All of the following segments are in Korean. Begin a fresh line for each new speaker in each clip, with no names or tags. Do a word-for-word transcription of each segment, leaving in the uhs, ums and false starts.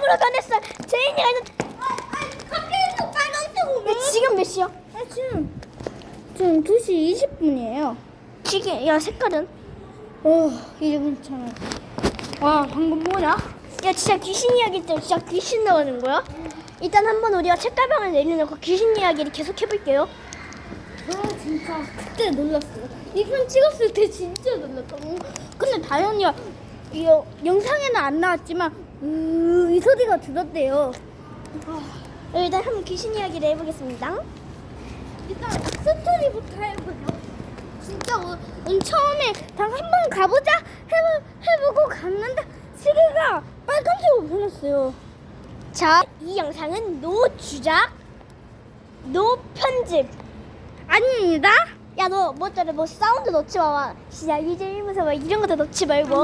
아무것도 안 했어. 제인이가 이제
밖에서 빨간색 오면.
야, 지금 몇 시야?
아, 지금 지금 두 시 이십 분이에요.
지금 야 색깔은?
어, 이제 괜찮아. 와, 방금 뭐냐?
야 진짜 귀신 이야기 때 진짜 귀신 나오는 거야? 일단 한번 우리가 책가방을 내려놓고 귀신 이야기를 계속 해볼게요.
아, 진짜 그때 놀랐어요. 이 편 찍었을 때 진짜 놀랐다고. 근데 다현이가 이 영상에는 안 나왔지만 으, 이 소리가 들었대요.
일단 한번 귀신 이야기를 해보겠습니다.
일단 스토리부터 해보죠. 진짜 우, 음, 처음에 당 한 번 가보자 해보, 해보고 갔는데 시계가 빨간색으로 변했어요.
자, 이 영상은 노 주작, 노 편집.
아닙니다.
야, 너 뭐더라? 뭐 사운드 넣지 마. 진짜 이제 무서워. 이런 것도 넣지 말고.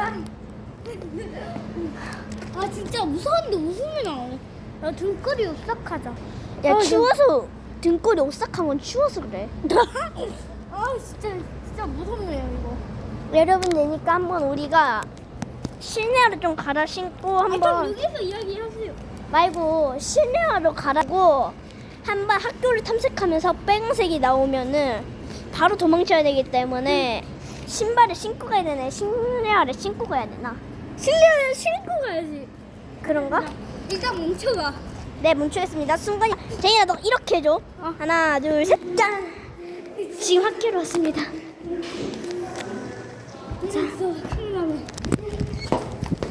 아, 진짜 무서운데 웃음이 나오네. 야, 등골이 오싹하자.
야,
아,
추워서 등골이 오싹한 건 추워서 그래.
아, 진짜 진짜 무섭네요 이거.
여러분 되니까 한번 우리가 실내화를 좀 갈아 신고
아, 좀
한번
여기서 이야기하세요.
말고 실내화로 갈아고 한번 학교를 탐색하면서 빨간색이 나오면은 바로 도망쳐야 되기 때문에 신발을 신고 가야 되네. 실내화를 신고 가야 되나?
실내화를 신고 가야지.
그런가?
일단 멈춰봐.
네, 멈추겠습니다. 순간이 제이야 너 이렇게 해줘.
어.
하나, 둘, 셋, 짠. 지금 학교로 왔습니다.
자,